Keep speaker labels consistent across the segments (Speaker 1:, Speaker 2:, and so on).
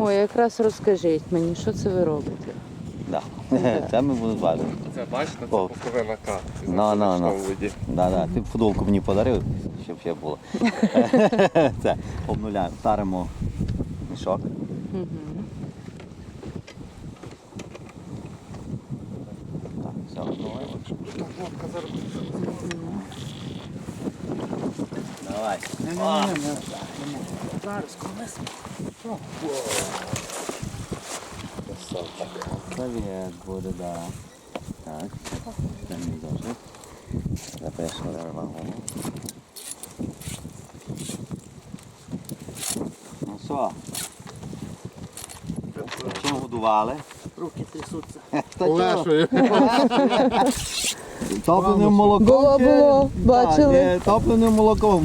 Speaker 1: Ой, якраз розкажіть мені, що це ви робите?
Speaker 2: Да. Це ми будемо зважити.
Speaker 3: Це бачите, це
Speaker 2: О.
Speaker 3: пуповина К.
Speaker 2: На. Да. Ти футболку мені подарив, щоб ще було. Це обнуляємо, таримо мішок. Так, все. Давай.
Speaker 4: Зараз, колись.
Speaker 2: Совет буде, да. Так, це мій досвід. Запишемо вагону. Ну що? Чим годували?
Speaker 4: Руки трясуться.
Speaker 3: Полешує.
Speaker 2: Топленим молоком.
Speaker 1: Було, бачили.
Speaker 2: Так, ні, топленим молоком.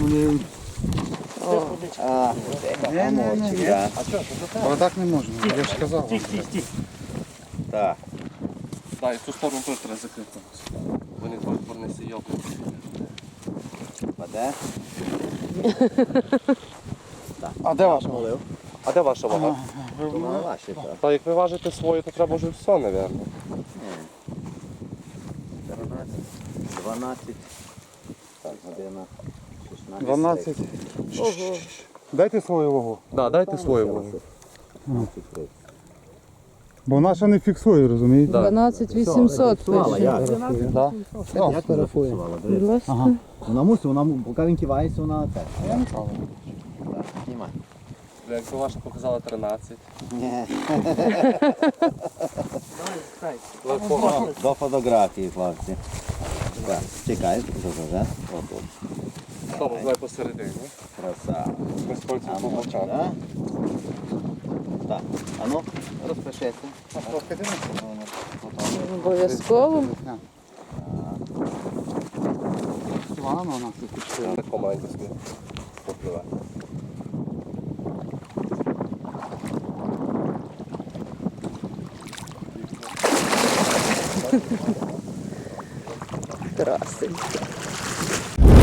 Speaker 3: Але так не можна, я ж казав.
Speaker 4: Стій.
Speaker 2: Так.
Speaker 3: Так, і цю сторону теж треба закрити. Вони порнеси йоку.
Speaker 2: Паде.
Speaker 3: А де ваша вага? А де ваша вага?
Speaker 2: Ну, ваші, так.
Speaker 3: Та як ви важите свою, то треба вже все, мабуть.
Speaker 2: 12. Так, година. 16.
Speaker 3: 12.
Speaker 1: Ого.
Speaker 3: Дайте свою вагу. Так, дайте свою вагу.
Speaker 5: Бо вона ще не фіксує, розумієте?
Speaker 1: 12 800
Speaker 2: Фіксувала,
Speaker 1: пише.
Speaker 2: як?
Speaker 3: Да?
Speaker 2: Як ти фіксувала?
Speaker 1: Будь ласка.
Speaker 5: Ага.
Speaker 2: Вона мусить, поки він кивається, вона це. Так, знімай.
Speaker 3: Якби ваша показала 13.
Speaker 2: Ні.
Speaker 3: Але погано.
Speaker 2: До фотографії, хлопці. Так, чекай, вже. Отут.
Speaker 3: Тому давай посередині.
Speaker 2: Краса.
Speaker 3: Ми з пальцем
Speaker 2: А
Speaker 3: по
Speaker 2: ну,
Speaker 3: бокам.
Speaker 2: да? Так, а ну, розпишися.
Speaker 1: Обов'язково.
Speaker 3: На команді собі попливе.
Speaker 1: Красень.